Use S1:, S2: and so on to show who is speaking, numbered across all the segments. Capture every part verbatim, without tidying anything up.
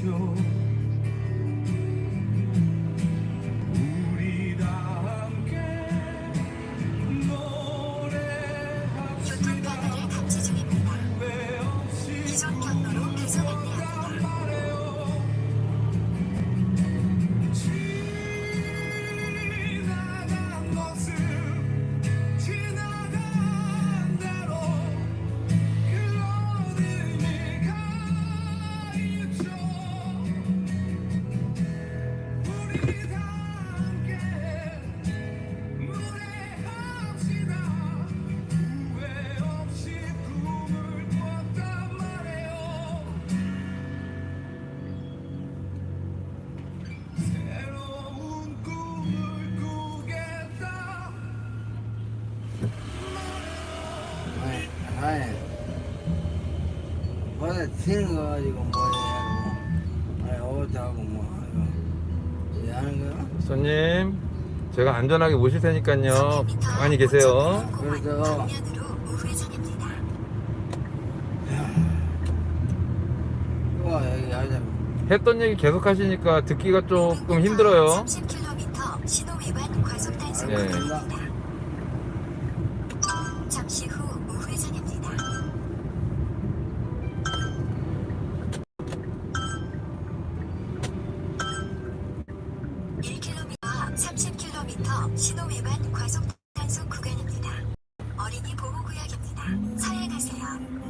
S1: 하죠. 우리 다 함께 노래합시다.
S2: 교통카드를 탑재 중입니다.
S1: 후회 없이
S2: 기존 경로로 계속 안내합니다.
S1: 지나간 것은 지나간 대로 그런 의미가 있죠. 우리 다 함께 노래합시다. 후회 없이 꿈을 꿨단 말이에요. 새로운 꿈을 꾸겠다.
S3: 아이, 아이, 뭐다 튀는 거 가지고 뭐야, 아이, 어쩌고 뭐 하고, 이 하는 거야?
S4: 손님, 제가 안전하게 모실 테니까요. 가만히 계세요.
S3: 그래서
S2: 방면으로 우회전입니다.
S3: 또 여기 하자.
S4: 했던 얘기 계속 하시니까 듣기가 조금 힘들어요.
S2: 삼십 킬로미터 신호 위반 과속 단속
S4: 예.
S2: 구간입니다. 잠시 후 우회전입니다. 일 킬로미터 삼십 킬로미터 신호 위반 과속 단속 구간입니다. 어린이 보호구역입니다. 서행하세요.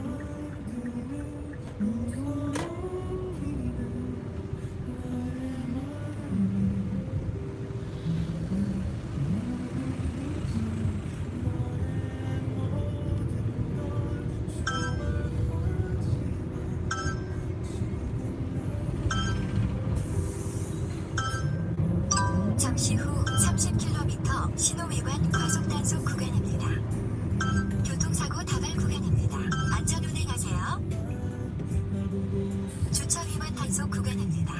S2: 잠시 후 삼십 킬로미터 신호 위반 과속 단속 구간입니다. 교통사고 다발 구간입니다. 안전 운행하세요. 주차 위반 단속 구간입니다.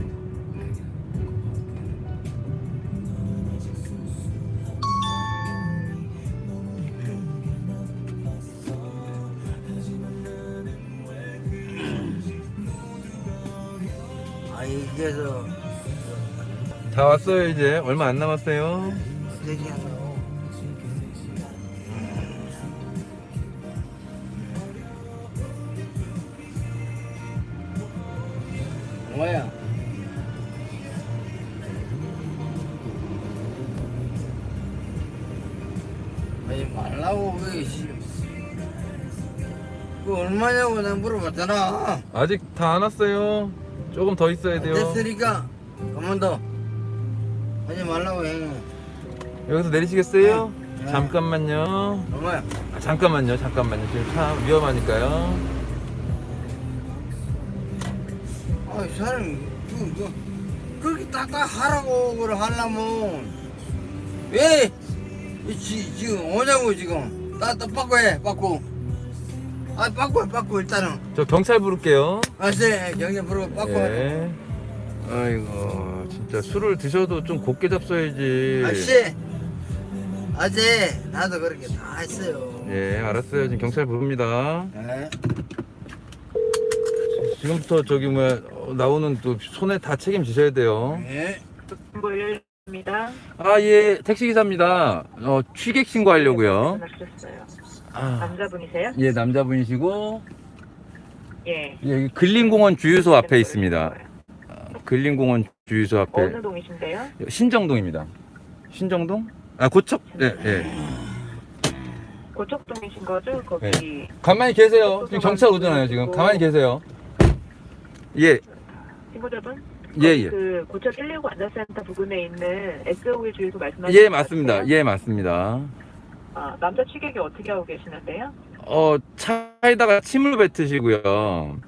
S3: 아이, 이제서
S4: 다 왔어요, 이제. 얼마 안 남았어요.
S3: 대기하고. 뭐야? 아니 말라고 왜 씨. 그 얼마냐고 내가 물어봤잖아.
S4: 아직 다 안 왔어요. 조금 더 있어야 돼요.
S3: 됐으니까 그만 더 하지 말라고 해.
S4: 여기서 내리시겠어요?
S3: 네.
S4: 잠깐만요.
S3: 얼마야?
S4: 아, 잠깐만요, 잠깐만요. 지금 차 위험하니까요.
S3: 아이 사람이 그, 그, 그렇게 딱딱 하라고 그걸 하려면 왜 이, 지, 지금 오냐고 지금 따뜻 빠꾸 해 빠꾸 아 빠꾸 해 빠꾸 일단은
S4: 저 경찰 부를게요.
S3: 아세 경제 부르고 빠꾸 해
S4: 예. 아이고, 진짜 술을 드셔도 좀 곱게 잡숴야지.
S3: 아씨 아재 나도 그렇게 다 했어요
S4: 예, 알았어요. 지금 경찰 부릅니다.
S3: 네.
S4: 지금부터 저기 뭐야 어, 나오는 또 손에 다 책임지셔야 돼요.
S3: 네.
S5: 보일입니다.
S4: 아, 예, 택시 기사입니다. 어, 취객 신고하려고요.
S5: 전화주셨어요.
S4: 아,
S5: 남자분이세요?
S4: 예, 남자분이시고
S5: 예.
S4: 예, 여기 근린공원 주유소 앞에 있습니다. 근린공원 주유소 앞에
S5: 어느 동이신데요?
S4: 신정동입니다. 신정동? 아, 고척? 예, 예.
S5: 고척동이신 거죠? 거기
S4: 네. 가만히 계세요. 지금 경찰 오잖아요. 지금 가만히 계세요. 예,
S5: 친구자분?
S4: 예,
S5: 거기
S4: 예.
S5: 그 고척 일일구 안전센터 부근에 있는 에스오일 주유소 말씀하시는
S4: 예,
S5: 것
S4: 맞습니다.
S5: 같아요?
S4: 예, 맞습니다.
S5: 아, 남자 취객이 어떻게 하고 계시는데요?
S4: 어, 차에다가 침을 뱉으시고요.